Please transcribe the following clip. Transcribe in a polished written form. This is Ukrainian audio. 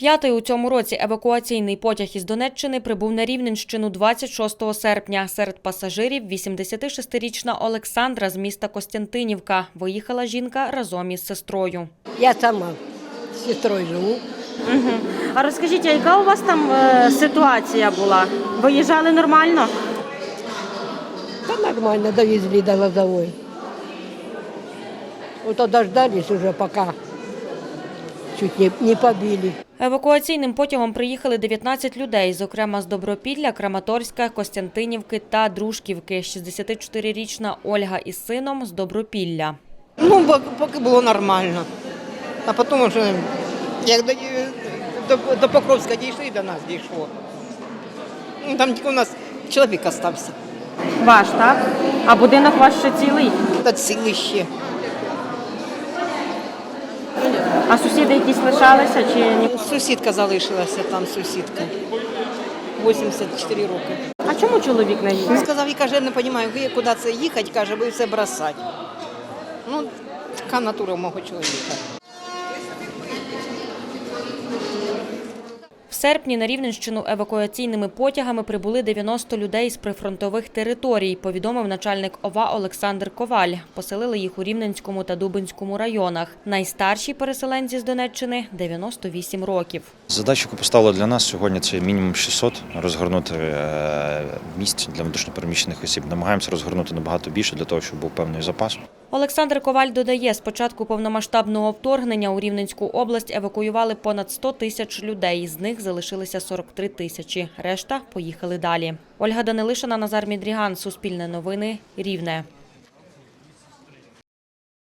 П'ятий у цьому році евакуаційний потяг із Донеччини прибув на Рівненщину 26 серпня. Серед пасажирів 86-річна Олександра з міста Костянтинівка. Виїхала жінка разом із сестрою. Я сама з сестрою живу. А розкажіть, а яка у вас там ситуація була? Виїжджали нормально? Да нормально, довезли до Лозовой. Вот дождались уже, пока чуть не побили. Евакуаційним потягом приїхали 19 людей, зокрема з Добропілля, Краматорська, Костянтинівки та Дружківки. 64-річна Ольга із сином з Добропілля. Ну, поки було нормально. А потім вже, як до Покровська дійшли, до нас дійшло. Ну, там тільки у нас чоловік залишився. Ваш, так? А будинок ваш ще цілий? Та цілий ще. А сусіди якісь лишалися чи ні? Сусідка залишилася там, сусідка. 84 роки. А чому чоловік не Він їхав? сказав, я каже, не розумію, куди це їхати, каже, ви все бросати. Ну, така натура мого чоловіка. В серпні на Рівненщину евакуаційними потягами прибули 90 людей з прифронтових територій, повідомив начальник ОВА Олександр Коваль. Поселили їх у Рівненському та Дубенському районах. Найстарші переселенці з Донеччини – 98 років. Задача, яку поставили для нас сьогодні, це мінімум 600 розгорнути місць для внутрішньопереміщених осіб. Намагаємося розгорнути набагато більше для того, щоб був певний запас. Олександр Коваль додає, з початку повномасштабного вторгнення у Рівненську область евакуювали понад 100 тисяч людей. З них залишилися 43 тисячі. Решта поїхали далі. Ольга Данилишина, Назар Мідріган. Суспільне новини. Рівне.